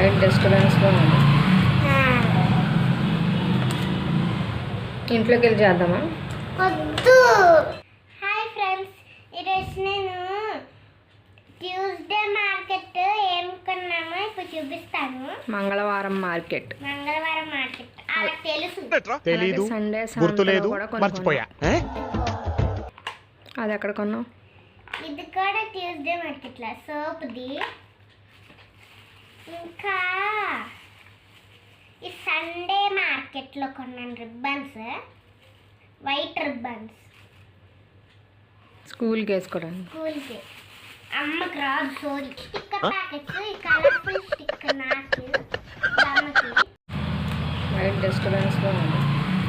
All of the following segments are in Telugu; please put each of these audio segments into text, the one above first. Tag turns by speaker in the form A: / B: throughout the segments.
A: బయట డిస్టర్బెన్స్గా ఉంది. ఇంట్లోకి వెళ్ళి చేద్దామా?
B: వద్దు. హాయ్ ఫ్రెండ్స్, ఈరోజు నేను ట్యూస్డే మార్కెట్ ఏం కొన్నామో ఇప్పుడు చూపిస్తాను.
A: మంగళవారం మార్కెట్
B: అలా తెలుసు.
C: తెలీదు,
A: సండే
C: గుర్తులేదు, మర్చిపోయా.
A: అది ఎక్కడ కొన్నావు?
B: ఇది కూడా ట్యూస్డే మార్కెట్లో సోప్ది. ఇంకా ఈ సండే మార్కెట్లో కొన్నాను రిబ్బన్స్, వైట్ రిబ్బన్స్
A: స్కూల్కి వేసుకోవడానికి.
B: స్కూల్కి. అమ్మకి రాదు సోరీ. స్టిక్కర్ ప్యాకెట్స్, ఈ కలర్ఫుల్ స్టిక్కర్ నాకు అమ్మకి.
A: బయట డిస్టర్బెన్స్గా ఉంది.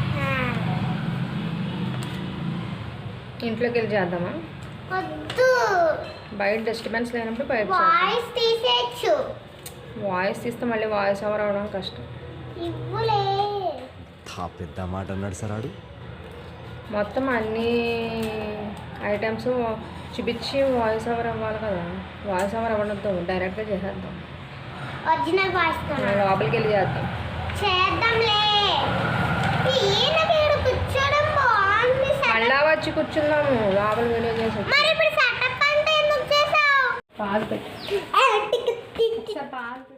A: ఇంట్లోకి వెళ్ళి చేద్దామా?
B: వద్దు.
A: బయట డిస్టర్బెన్స్ లేనప్పుడు బయట
B: వాయిస్ తీసేయచ్చు.
A: వాయిస్ తీస్తే మళ్ళీ వాయిస్ ఓవర్ అవ్వడం కష్టం.
B: ఇవ్వులే.
C: పెద్ద మాట అన్నాడు సార్ ఆడు.
A: మొత్తం అన్ని ఐటమ్స్ చూపించి వాయిస్ ఓవర్ అవ్వాలి కదా. వాయిస్ ఓవర్ అవ్వడంతో డైరెక్ట్గా చేసేద్దాం.
B: ఒరిజినల్ వాయిస్
A: లోపలికి వెళ్ళి చేద్దాం.
B: చేద్దాంలే. కూర్చోడం బాగుంది.
A: మళ్ళా వచ్చి కూర్చుందాము లోపల వీడియో చేసి.
B: మరి ఇప్పుడు సెటప్ అంటే ఎందుకు చేసావు?
A: పాలు పెట్టు. పాలు పెట్టు.